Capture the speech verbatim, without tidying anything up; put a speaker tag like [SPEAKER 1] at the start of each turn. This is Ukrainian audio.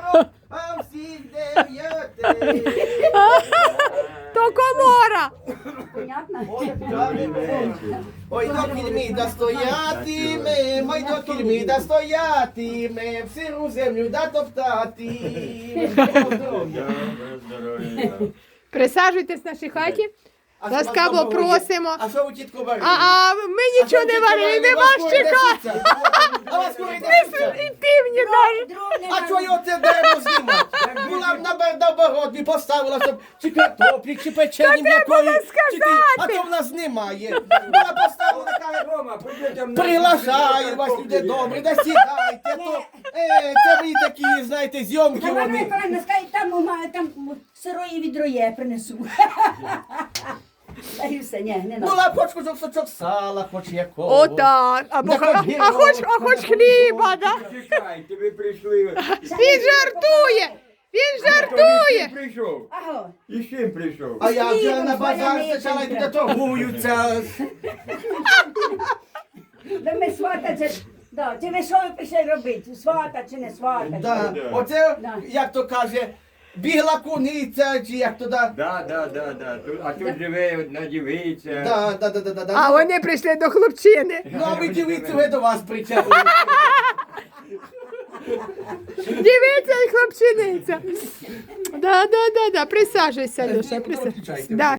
[SPEAKER 1] а всіх дев'яти.
[SPEAKER 2] То комора.
[SPEAKER 3] Понятно?
[SPEAKER 1] Ой, до кільміда стоятиме, май до кільміда стоятиме, в сиру землю да топтати.
[SPEAKER 2] Присаджуйтесь в нашій хаті. Ласкаво просимо.
[SPEAKER 1] А що ви, тітко, варили?
[SPEAKER 2] А, а ми нічого не варили, не вас чекати.
[SPEAKER 1] А вас кури
[SPEAKER 2] І півні навіть.
[SPEAKER 1] А чого його це дерево знімати? Була б на, б- на боротьбі поставила, щоб чи картоплі, чи печені м'якої. чи ти- А то в нас немає. Була поставила, каже,
[SPEAKER 4] Рома, прийдете нам.
[SPEAKER 1] приглашаю вас, люди добрі, да сідайте. То, е, це ви такі, знаєте, зйомки
[SPEAKER 3] Давай,
[SPEAKER 1] вони.
[SPEAKER 3] Миколаївна, скажи, там, у мене там сирої відро є, принесу. Та і все, ні, не надо.
[SPEAKER 1] Була б хоч кусочок сала, хоч якого.
[SPEAKER 2] Отак. Або,
[SPEAKER 1] Да
[SPEAKER 2] а,
[SPEAKER 1] хоч
[SPEAKER 2] а, хоч, а хоч хліба, да?
[SPEAKER 4] Чекайте, ви прийшли.
[SPEAKER 2] Він жартує. Він
[SPEAKER 4] Хто
[SPEAKER 2] жартує.
[SPEAKER 4] з чим прийшов?
[SPEAKER 3] Аго,
[SPEAKER 4] І з чим прийшов?
[SPEAKER 1] А я вже на базар
[SPEAKER 3] Зваряний
[SPEAKER 1] спочатку
[SPEAKER 3] тільки.
[SPEAKER 1] йде торгуються.
[SPEAKER 3] да ми свата, це ж, да, чи ви що ви прийшли робити? Свата чи не свата?
[SPEAKER 1] Да.
[SPEAKER 4] Да.
[SPEAKER 1] Оце,
[SPEAKER 3] Да.
[SPEAKER 1] як то каже, бігла куниця, чи як то да.
[SPEAKER 4] Да, да, да, да. Тут- А тут живе одна дівиця.
[SPEAKER 1] Да, да, да, да, да, да.
[SPEAKER 2] А вони прийшли до хлопчини.
[SPEAKER 1] Ну, а ви дивіться, ви до вас причепили.
[SPEAKER 2] Дивіться і хлопчиниця. Да, да, да, да. Присаджуйся, Люша, присаджуйся.
[SPEAKER 1] Виключайте.
[SPEAKER 2] Да.